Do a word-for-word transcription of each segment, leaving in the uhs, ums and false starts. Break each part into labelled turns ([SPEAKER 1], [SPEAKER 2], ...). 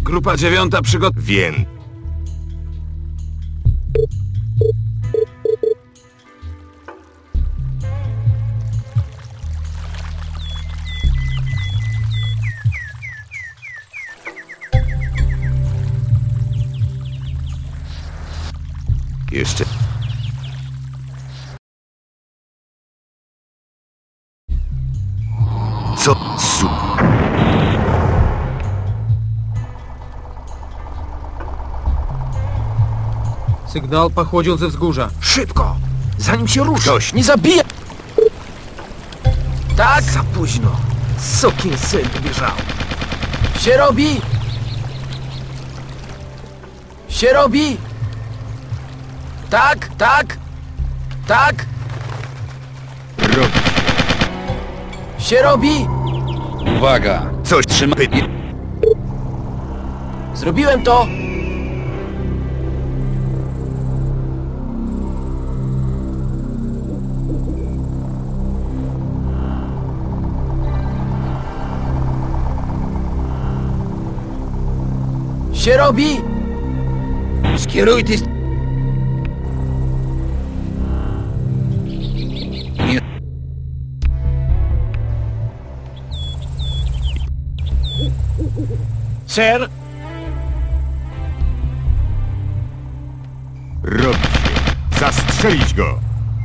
[SPEAKER 1] Grupa dziewiąta przygot...
[SPEAKER 2] Wiem. Jeszcze... Co? Su...
[SPEAKER 3] Sygnał pochodził ze wzgórza.
[SPEAKER 1] Szybko! Zanim się ruszy!
[SPEAKER 2] Ktoś.
[SPEAKER 1] Nie zabija! Tak? Za późno. Sokin syn wybierzał. Się robi! Się robi! Tak, tak! Tak!
[SPEAKER 2] Robi.
[SPEAKER 1] Się robi!
[SPEAKER 4] Uwaga!
[SPEAKER 2] Coś trzyma...
[SPEAKER 1] Zrobiłem to! Się robi!
[SPEAKER 4] Skieruj ty... Nie...
[SPEAKER 1] Ser!
[SPEAKER 2] Robi się. Zastrzelić go!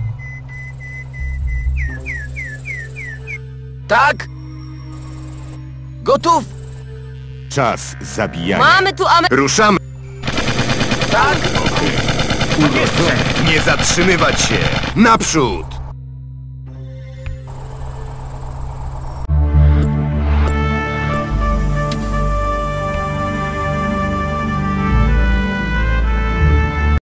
[SPEAKER 1] Tak! Gotów!
[SPEAKER 2] Czas zabijania.
[SPEAKER 5] Mamy tu Amer...
[SPEAKER 2] Ruszamy!
[SPEAKER 1] Tak!
[SPEAKER 2] Nie zatrzymywać się! Naprzód!